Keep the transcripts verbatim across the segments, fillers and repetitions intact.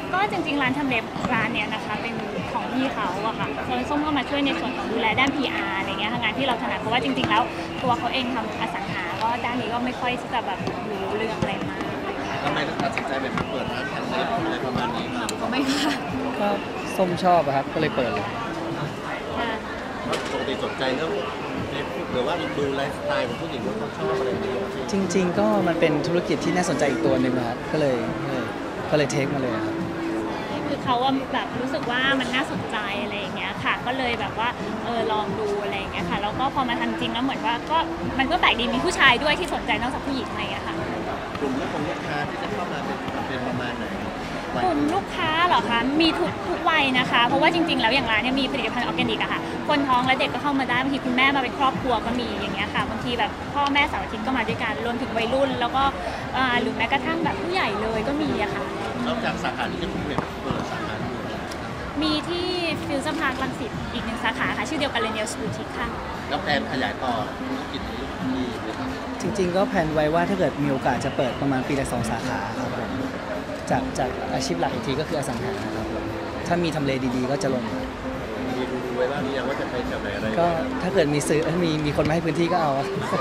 ก็จริงๆร้านทำเล็บร้านเนี้ยนะคะเป็นของพี่เขาอะค่ะส่วนส้มก็มาช่วยในส่วนของดูแลด้าน พี อาร์ อะไรเงี้ยงานที่เราถนัดเพราะว่าจริงๆแล้วตัวเขาเองทำอสังหาก็ด้านนี้ก็ไม่ค่อยที่จะแบบรู้เรื่องอะไรมากทำไมถึงตัดสินใจแบบเปิดร้านทำเล็บอะไรประมาณนี้ครับก็ไม่ค่ะก็ส้มชอบอะครับก็เลยเปิดเลยปกติสนใจเรื่องเล็บหรือว่าดูไลฟ์สไตล์ของผู้หญิงว่าเขาชอบอะไรอย่างนี้จริงๆก็มันเป็นธุรกิจที่น่าสนใจอีกตัวหนึ่งครับก็เลยก็เลยก็เลยเทคมาเลยครับคือเขาว่าแบบรู้สึกว่ามันน่าสนใจอะไรอย่างเงี้ยค่ะก็เลยแบบว่าเออลองดูอะไรอย่างเงี้ยค่ะแล้วก็พอมาทำจริงแล้วเหมือนว่าก็มันก็แปลกดีมีผู้ชายด้วยที่สนใจนอกจากผู้หญิงอะไรอย่างเงี้ยค่ะกลุ่มลูกของลูกค้าที่จะเข้ามาเป็นเป็นประมาณไหนกลุ่มลูกค้าเหรอคะมีทุกทุกวัยนะคะเพราะว่าจริงๆแล้วอย่างร้านเนี่ยมีผลิตภัณฑ์ออร์แกนิกอะค่ะคนท้องและเด็กก็เข้ามาได้บางทีคุณแม่มาเป็นครอบครัวก็มีอย่างเงี้ยค่ะบางทีแบบพ่อแม่เสาร์อาทิตย์ก็มาด้วยกันรวมถึงวัยรุ่นแล้วก็หรือแม้กระทั่งแบบผู้ใหญ่เลยก็มีอะค่ะนอกจากสาขาที่จะเปิดเปิดสาขามีที่ฟิวเจอร์พาร์ครังสิตอีกหนึ่งสาขาค่ะชื่อเดียวกันเลยเนลสบูติกค่ะแล้วแผนขยายต่อธุรกิจนี้มีไหมครับจริงๆก็แผนไว้ว่าถ้าเกิดมีโอกาสจะเปิดประมาณปีละสองสาขาครับผมจากจากอาชีพหลักอีกทีก็คืออสังหาครับผมถ้ามีทำเลดีๆก็จะลงมีดูไว้บ้างหรือยังว่าจะไปแถวไหนอะไรก็ถ้าเกิดมีซื้อมีมีคนมาให้พื้นที่ก็เอา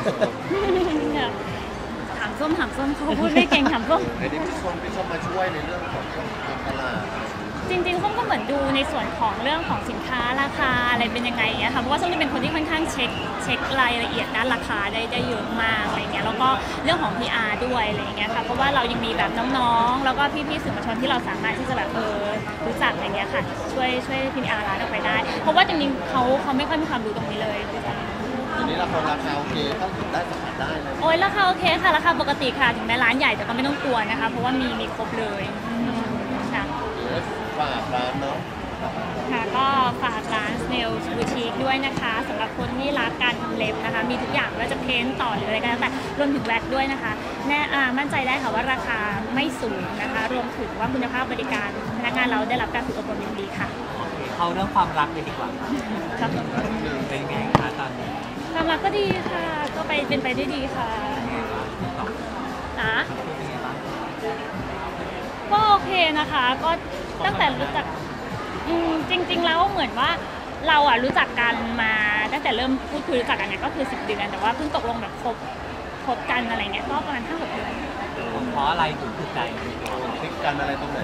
ถามส้มถามส้มเขาพูดไม่เก่งถามส้มไอ้นี่พี่ส้มพี่ส้มมาช่วยในเรื่องของการตลาดจริงๆส้มก็เหมือนดูในส่วนของเรื่องของสินค้าราคาอะไรเป็นยังไงเงี้ยค่ะเพราะว่าส้มจะเป็นคนที่ค่อนข้างเช็คเช็ครายละเอียดด้านราคาได้ได้เยอะมากอะไรเงี้ยแล้วก็เรื่องของ พี อาร์ ด้วยอะไรเงี้ยค่ะเพราะว่าเรายังมีแบบน้องๆแล้วก็พี่ๆสื่อมวลชนที่เราสามารถที่จะแบบเออรู้จักอะไรเงี้ยค่ะช่วยช่วย พี อาร์ ร้านออกไปได้เพราะว่าจริงๆเขาเขาไม่ค่อยมีความรู้ตรงนี้เลยทีนี้ราคาราคาโอเคเข้าถึงได้สัมผัสได้เลยโอ้ยราคาโอเคค่ะราคาปกติค่ะถึงแม้ร้านใหญ่แต่ก็ไม่ต้องกลัวนะคะเพราะว่ามีมีครบเลยค่ะฝากร้านเนาะค่ะก็ฝากร้าน Snails Boutique ด้วยนะคะสำหรับคนที่รักการทำเล็บนะคะมีทุกอย่างว่าจะเพ้นต่อหรืออะไรก็แล้วแต่รวมถึงแว็กด้วยนะคะแน่มั่นใจได้ค่ะว่าราคาไม่สูงนะคะรวมถึงว่าคุณภาพบริการพนักงานเราได้รับการฝึกอบรมอย่างดีค่ะเข้าเรื่องความรักเลยดีกว่าครับเป็นไงคะตอนนี้ความรักก็ดีค่ะก็ไปเป็นไปได้ดีค่ะนะก็โอเคนะคะก็ตั้งแต่รู้จักจริงๆแล้วเหมือนว่าเราอ่ะรู้จักกันมาตั้งแต่เริ่มพูดคุยรู้จักกันเนี่ยก็คือสิบเดือนแต่ว่าเพิ่งตกลงแบบคบคบกันอะไรเงี้ยก็ประมาณห้าหกเดือนเพราะอะไรถึงถูกใจคลิกกันอะไรตรงไหน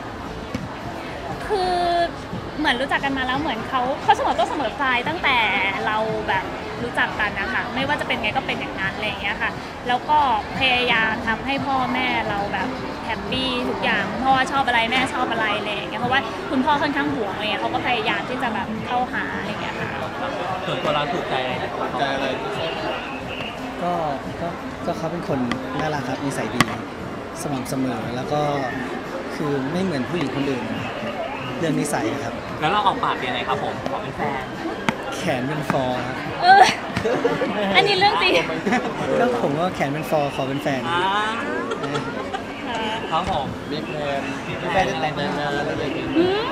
คือเหมือนรู้จักกันมาแล้วเหมือนเขาเขาเสมอต้นเสมอปลายตั้งแต่เราแบบรู้จักกันนะคะไม่ว่าจะเป็นไงก็เป็นอย่างนั้นอะไรอย่างเงี้ยค่ะแล้วก็พยายามทำให้พ่อแม่เราแบบแฮปปี้ทุกอย่างพ่อชอบอะไรแม่ชอบอะไรอะไรอย่างเงี้ยเพราะว่าคุณพ่อค่อนข้างห่วงอะไรเงี้ยเขาก็พยายามที่จะแบบเข้าหาอะไรอย่างเงี้ยค่ะส่วนตัวเราถูกใจอะไรถูกใจอะไรก็ก็ก็เขาเป็นคนน่ารักครับนิสัยดีสม่ำเสมอแล้วก็คือไม่เหมือนผู้หญิงคนอื่นเรื่องนิสัยครับแล้วเราออกปากยังไงครับผมขอเป็นแฟนแขนเป็นฟอร์ครับเอออันนี้เรื่องจริงก็ผมว่าแขนเป็นฟอร์ขอเป็นแฟนครับผมมีแฟนมีแฟนแต่งงานอะไรอย่างเงี้ย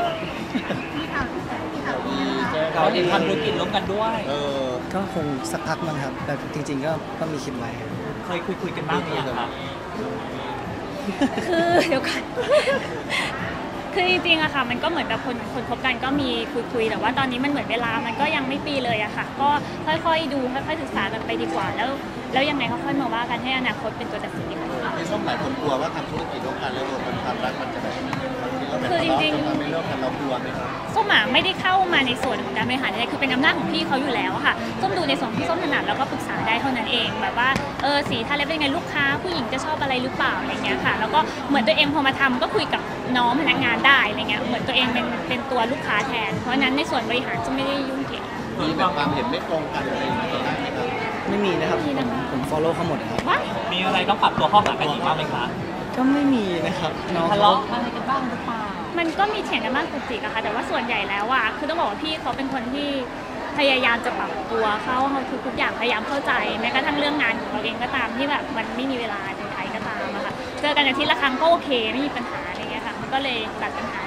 เราเองทำธุรกิจร่วมกันด้วยเออก็คงสักพักมั้งครับแต่จริงๆก็ก็มีคิดไว้เคยคุยคุยกันบ้างหรือยังครับคือเดี๋ยวก่อนคือจริงๆอะค่ะมันก็เหมือนกับคนคนคบกันก็มีคุยๆแต่ว่าตอนนี้มันเหมือนเวลามันก็ยังไม่ปีเลยอะค่ะก็ค่อยๆดูค่อยๆศึกษากันไปดีกว่าแล้วแล้วยังไงค่อยๆมาว่ากันให้อนาคตเป็นตัวตัดสินดีกว่าไม่ส้มหลายคนกลัวว่าทำธุรกิจร่วมกันแล้วมันความรักมันจะแบบคือจริงๆไม่เลิกกันเรากลัวไหมครับส้มไม่ได้เข้ามาในส่วนของการบริหารอะไรคือเป็นอำนาจของพี่เขาอยู่แล้วค่ะส้มดูในส่วนที่ส้มถนัดแล้วก็ปรึกษาได้เท่านั้นเองแบบว่าเออสีทาเล็บเป็นไงลูกค้าผู้หญิงจะชอบอะไรหรือเปล่าอะไรเงี้ยค่ะแล้วก็เหมือนตัวเองพอมาทำก็คุยกับน้องพนักงานได้อะไรเงี้ยเหมือนตัวเองเป็นเป็นตัวลูกค้าแทนเพราะนั้นในส่วนบริหารส้มไม่ได้ยุ่งเกี่ยวมีแบบความเห็นไม่ตรงกันอะไรอย่างเงี้ยได้ไหมครับไม่มีนะครับผม follow เขาหมดครับมีอะไรต้องปรับตัวเข้าหากันอีกบ้างไหมคะก็ไม่มีนะครับน้องทะเลาะอะไรกันบ้างหรือเปล่ามันก็มีเถียงกันบ้างตุกติกอะค่ะแต่ว่าส่วนใหญ่แล้วอะคือต้องบอกว่าพี่เขาเป็นคนที่พยายามจะปรับตัวเข้าเขาทุกทุกอย่างพยายามเข้าใจแม้กระทั่งเรื่องงานของเราเองก็ตามที่แบบมันไม่มีเวลาในไทยก็ตามอะค่ะเจอกันอาทิตย์ละครั้งก็โอเคไม่มีปัญหาอะไรเงี้ยค่ะมันก็เลยตัดปัญหา